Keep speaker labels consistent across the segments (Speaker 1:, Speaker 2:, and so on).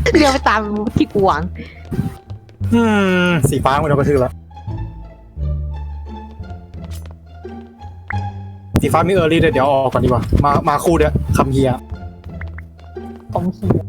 Speaker 1: เดี๋ยวไปตามที่กูหวัง
Speaker 2: สีฟ้ามันโดนกระทืบแล้วสีฟ้ามีเออร์ลี่เดี๋ยวออกก่อนดีกว่ามาคู่เดียวคำเฮียต้องเฮีย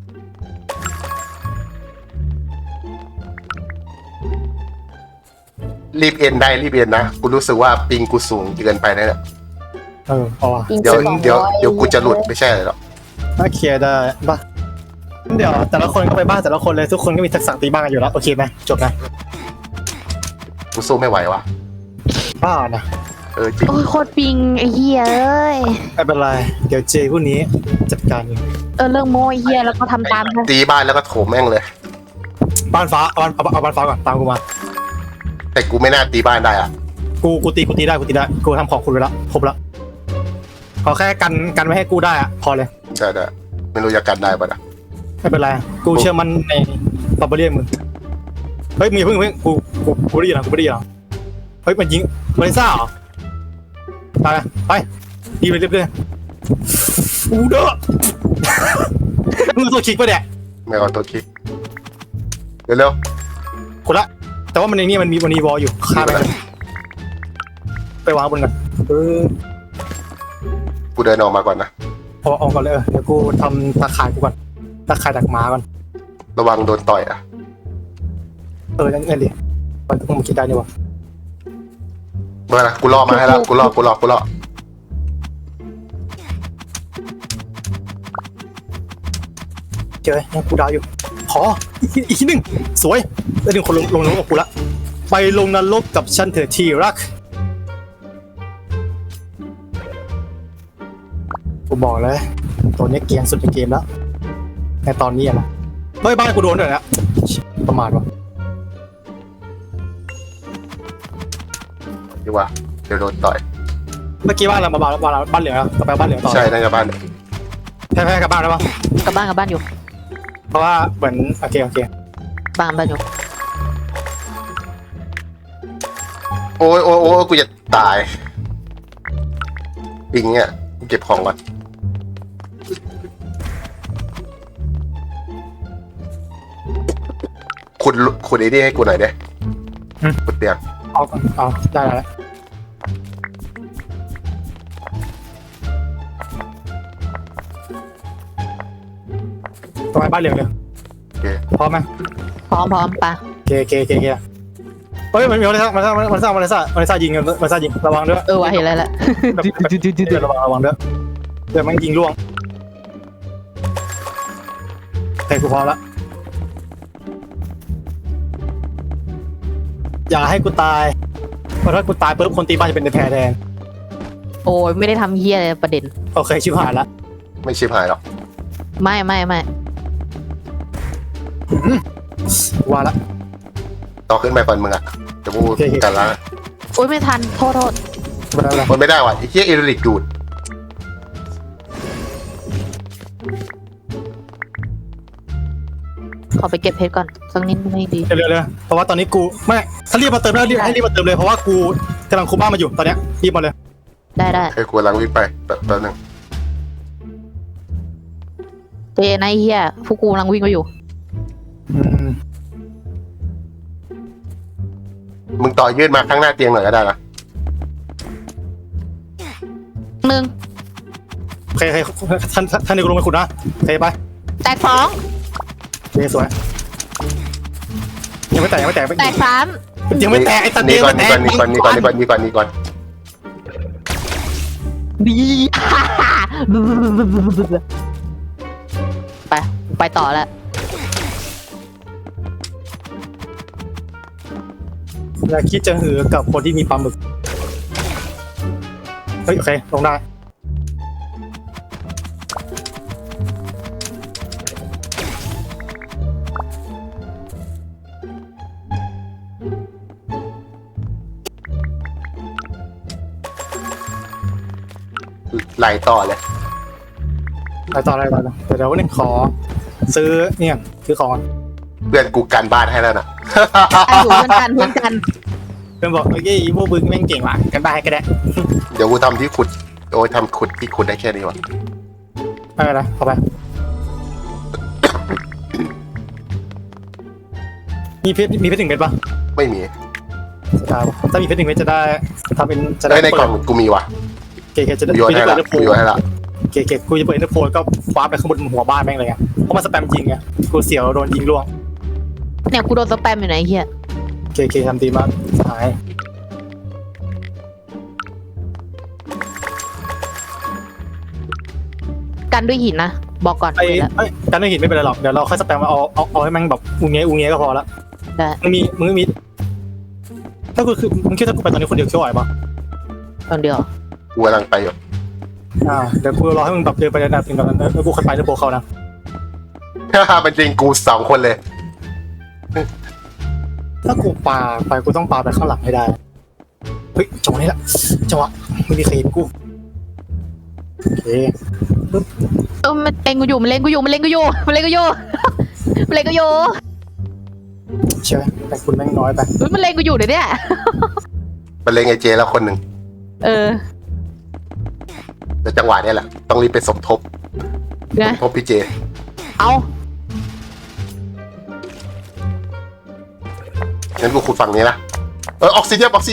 Speaker 3: รีบเอ็นได้รีบเอ็นนะกูรู้สึกว่าปิงกูสูงเกินไปนะเนี่ย
Speaker 2: เอาว่ะ
Speaker 3: เดี๋ยวกูจะหลุดไม่ใช่หรอก
Speaker 2: ถ้าเคลียร์ได้ป่ะเดี๋ยวแต่ละคนก็ไปบ้านแต่ละคนเลยทุกคนก็มีทักษะตีบ้านกันอยู่แล้วโอเคไหมจบนะ
Speaker 3: กูสู้ไม่ไหววะ
Speaker 2: บ้านะ
Speaker 3: จริง
Speaker 1: โอ้ยโคตรปิงไอ้เหี้ยเอ้ย
Speaker 2: ไม่เป็นไรเดี๋ยวเจพวกนี้จัดการเอง
Speaker 1: เรื่องโม้ไอ้เหี้ยแล้วก็ทำตามนะ
Speaker 3: ตีบ้านแล้วก็โถมแม่งเลย
Speaker 2: บ้านฟ้าเอาบ้านฟ้าก่อนตามกูมา
Speaker 3: แต่กูไม่น่าตีบ้านได้อ่ะ
Speaker 2: กูตีได้กูทำของคุณไปแล้วครบแล้วขอแค่กันไม่ให้กูได้อะพอเลย
Speaker 3: ใช่ได้ไม่รู้จะกันได้ปะนะ
Speaker 2: ไม่เป็นไรกูเชื่อมันในบาร์เบอเรียนมึงเฮ้ยมึงอย่าเพิ่งกูได้ยินนะเฮ้ยมันยิงมาริซ่าเหรอไปดีไปเรื่อยๆอูเด้อมึงตัวคิกปะเนี่ย
Speaker 3: ไม่เอาตัวคิกเร็ว
Speaker 2: คนละแต่ว่ามันในนี้มันมีวอลอยู่ฆ่าไปเลยไปวางบนกัน
Speaker 3: กูเดินออกมาก่อนนะ
Speaker 2: พอออกก่อนเลยเดี๋ยวกูทำตาข่ายกูก่อนตาข่ายดักหมาก่อน
Speaker 3: ระวังโดนต่อยอ่ะ
Speaker 2: นั่นดิมันต้องคิดได้นี่วะ
Speaker 3: เมื่อนะกูรอมาให้แล้วกูรอ
Speaker 2: เจอยังกูดาวอยู่ขออีกทีหนึ่งสวยแล้วดึงคนลงนรกกับกูละไปลงนรกกับฉันเถอะที่รักกูบอกเลยตัวนี้เกรียนสุดในเกมแล้วในตอนนี้นะเฮ้ยบ้านกูโดนด้วยนะประมาทวะ
Speaker 3: ดีว่าเดี๋ยวโดนต่อย
Speaker 2: เมื่อกี้บ้านเรามาบ้านเหลืองแล้วต่อไปบ้านเหลืองต่อ
Speaker 3: ใช่น่าจะบ้าน
Speaker 2: แพ้กับบ้านแล้วปะ
Speaker 1: กลับบ้านอยู่
Speaker 2: เพราะว่าเหมือนโอเค
Speaker 1: บ้านอยู่
Speaker 3: โอ้ยกูจะตายปิงเนี่ยกูเก็บของก่อนขุดไอ้นี่ให้กูหน่อยเด้ขุดเตียง
Speaker 2: เอาได้แล้วต่อไปบ้านเหลืองเลย
Speaker 3: โอเค
Speaker 2: พร้อมไหม
Speaker 1: พร้อมปะ
Speaker 2: เกเฮ้ยมันมีมันสร้างยิงระวังด้วย
Speaker 1: ว่ะเห็นแล้วแหละ
Speaker 2: ระวังด้วยเดี๋ยวมันยิงล่วงแต่กูพร้อมแล้วอย่าให้กูตายเพราะถ้ากูตายปุ๊บคนตีบ้านจะเป็นในแพรแทน
Speaker 1: โอ้ยไม่ได้ทำเหี้ยเลยประเด็น
Speaker 2: โอเคชิบหายละ
Speaker 3: ไม่ชิบหายหรอก
Speaker 1: ไม่
Speaker 2: ว่าละ
Speaker 3: ต่อขึ้นไปก่อนมึงอ่ะจะพูดกันละ
Speaker 1: โอ้ยไม่ทันโทษ
Speaker 3: มันไม่ได้ว่ะไอ้เหี้ยเอริกดูด
Speaker 1: ขอไปเก็บเพชรก่อนสักนิดไม่ดี
Speaker 2: เร็วเพราะว่าตอนนี้กูไม่ถ้ารีบมาเติมแล้วให้รีบมาเติมเลยเพราะว่ากูกำลังคุมบ้านมาอยู่ตอนเนี้ยรีบมาเลย
Speaker 1: ได้
Speaker 3: ให้กูกำลังวิ่งไปแป๊บนึง
Speaker 1: เจนไอ้เหี้ยพวกกูกำลังวิ่งไปอยู่
Speaker 3: มึงต่อยืดมาข้างหน้าเตียงหน่อยก็ได้นะ
Speaker 1: หนึ่ง
Speaker 2: โอเคท่านเดี๋ยวกูลงไปขุดนะโอเคไป
Speaker 1: แตกสอง
Speaker 2: โอเคสวยยังไม่แตก
Speaker 1: แตกสาม
Speaker 2: ยังไม่แตกไอ้ตัน
Speaker 3: นี่
Speaker 2: เดียว
Speaker 3: ก่อน
Speaker 2: แต
Speaker 3: นี่
Speaker 2: ก
Speaker 3: ก่อนนี่ก่อน
Speaker 1: ดี ไปต่อแล้ว
Speaker 2: อย่าคิดจะหือกับคนที่มีปลาหมึกเฮ้ยโอเคลงได้
Speaker 3: ไหลต่อเลย
Speaker 2: ไปต่อเดี๋ยววันนึงขอซื้อเนี่ยซื้อของ
Speaker 3: เพื่อนกูกันบ้านให้แล้วนะ
Speaker 1: อยู่เพื่อนกัน
Speaker 2: เพื่อนบอกเฮ้ยพวกบึ้งแม่งเก่งว่ะกันได้ก็ได้
Speaker 3: เดี๋ยวกูทำที่ขุดโอ้ยทำขุดที่ขุดได้แค่นี้วะ
Speaker 2: ไม่เป็นไรเข้าไปมีเพชร1 เม็ดปะ
Speaker 3: ไม่มี
Speaker 2: จะได้ปะถ้ามีเพชร1 เม็ดจะได้ทำเป็นจะได้
Speaker 3: ได้ในกล่องกูมีว่ะ
Speaker 2: เกจะได้
Speaker 3: กูโยนให้
Speaker 2: เปิ
Speaker 3: ละ
Speaker 2: ดเดอร์โพ
Speaker 3: กูโยนให้ละ
Speaker 2: เกกูจะเปิดเดอร์โพก็คว้าไปข้างบนหัวบ้านแม่งเลยไงเพราะมันสแปมจริงไงกูเสียวโดนยิงล่วง
Speaker 1: เนี่ยกูโดนสแปมอยู่ไหนเฮีย
Speaker 2: เกทำดีมากหาย
Speaker 1: กันด้วยหินนะบอกก่อน
Speaker 2: ไอ้
Speaker 1: เลยละ
Speaker 2: การไม่เห็นไม่เป็นไรหรอกเดี๋ยวเราค่อยสแปมเอาให้แม่งแบบอูเงี้ยก็พอละ
Speaker 1: ได้
Speaker 2: มึงมีถ้ากูคือมึงคิดถ้ากูไปตอนนี้คนเดียวเชื่อไหวปะ
Speaker 1: คนเดียว
Speaker 3: กูกำลังไปอยู่
Speaker 2: เดี๋ยวกูรอให้มึงแบบเดินไประดับถึงแบบนั้นแล้วกูค่อยไปเดอร์โพเขานะ
Speaker 3: เป็นจริงกู2 คนเลย
Speaker 2: ถ้ากูปาไปกูต้องปาไปข้างหลังให้ได้เฮ้ยจังหวะนี้แหละจังหวะไม่มีใครเห็นกูโอเค
Speaker 1: มันเล็งกูอยู่มันเล็งกูอยู่มันเล็งกูอยู่มันเล็งกูอยู่มันเล็งกูอยู่
Speaker 2: ใช่ไหมแต่คุณแม่งน้อยไป
Speaker 1: มันเล็งกูอยู่เดี๋ยวเนี้ย
Speaker 3: มันเลงไอเจแล้วคนหนึ่ง
Speaker 1: เออ
Speaker 3: แต่จังหวะเนี้ยแหละต้องรีบไปสมทบ
Speaker 1: ไง
Speaker 3: สมทบพี่เจ
Speaker 1: เอา
Speaker 3: งั้นกูขุดฝั่งนี้นะออกซิเดียม
Speaker 2: โอเค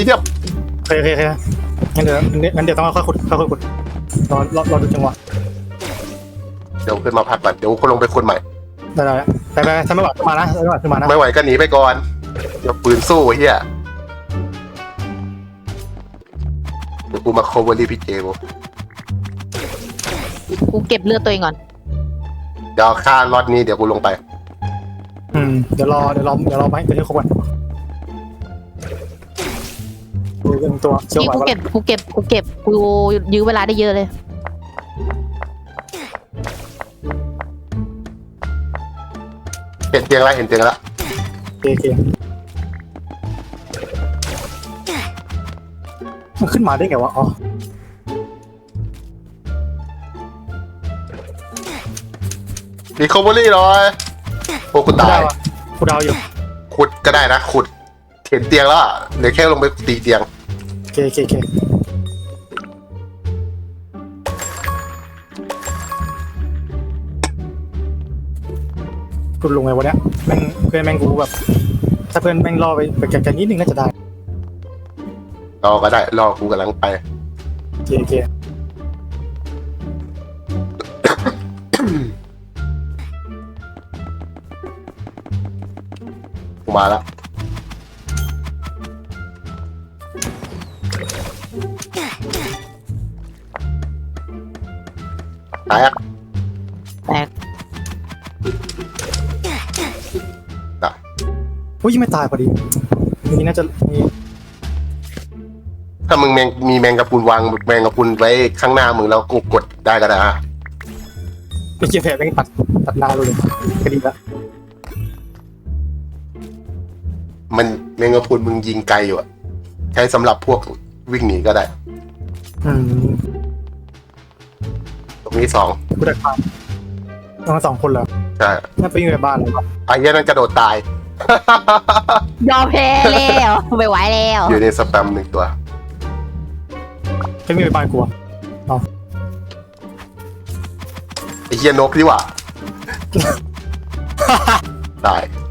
Speaker 2: งั้นเดี๋ยวต้องค่อยขุดรอดูจังหวะ
Speaker 3: เดี๋ยวขึ้นมาพักก่อนเดี๋ยวกูลงไปขุดใหม่
Speaker 2: ได้ไปถ้าไม่ไหวขึ้นมานะขึ้นมานะ
Speaker 3: ไม่ไหวก็หนีไปก่อนเดี๋ยวปืนสู้ไอ้เฮียเดี๋ยวกูมาโคเวอรี่พี่เจกู
Speaker 1: กูเก็บเลือดตัวเองก่อน
Speaker 3: เดี๋ยวค่าล็อตนี้เดี๋ยวกูลงไป
Speaker 2: เดี๋ยวรอไหมเดี๋ยวให้ครบก่อนดูเรื่องตัวเชื่อ
Speaker 1: นี่
Speaker 2: ไหว
Speaker 1: กู
Speaker 2: ว่า
Speaker 1: เก็บกูยื้อเวลาได้เยอะเลย
Speaker 3: เห็นเตียงแล้ว
Speaker 2: โอเคมันขึ้นมาได้ไงวะอ๋อ
Speaker 3: รีคอเวอรี่หน่อยโอ้กูตาย
Speaker 2: กูดาวอยู่
Speaker 3: ขุดก็ได้นะขุดเห็นเตียงแล้วอะเดี๋ยวแค่ลงไปตีเตียง
Speaker 2: โอเคกูลงไงวะเนี้ยแม่งเพื่อนแม่งกูแบบถ้าเพื่อนแม่งรอไปไกลๆนิดนึงน่าจะได้
Speaker 3: รอก็ได้รอกูกำลังไป
Speaker 2: โอเค
Speaker 3: กูมาแล้วตายอ่ะ
Speaker 1: แตก
Speaker 2: อุ้ยไม่ตายพอดีนี่น่าจะมี
Speaker 3: ถ้ามึงมีแมงกะพรุนวางแมงกะพรุนไว้ข้างหน้ามึงแล้วกูกดได้ก็ได้อะ
Speaker 2: ไม่เกี่ยวแผลแม่งตัดหน้าเลยก็ดีละ
Speaker 3: มันแมงกะพรุนมึงยิงไกลอยู่อะใช้สำหรับพวกวิ่งหนีก็ได้ ตรงนี้2
Speaker 2: กูได้ความต้อง2 คนเหรอ
Speaker 3: ใช่
Speaker 2: น่าไปอยู่ในบ้านเลย
Speaker 3: ไอ้เหี้ยนั่นกระโดดตาย
Speaker 1: ยอมแพ้แล้วไม่ไหวแล้ว
Speaker 3: อยู่ในสแปม1 ตัว
Speaker 2: ไปมีในบ้านกู
Speaker 3: ไอ้เหี้ยนกดีกว่า ตาย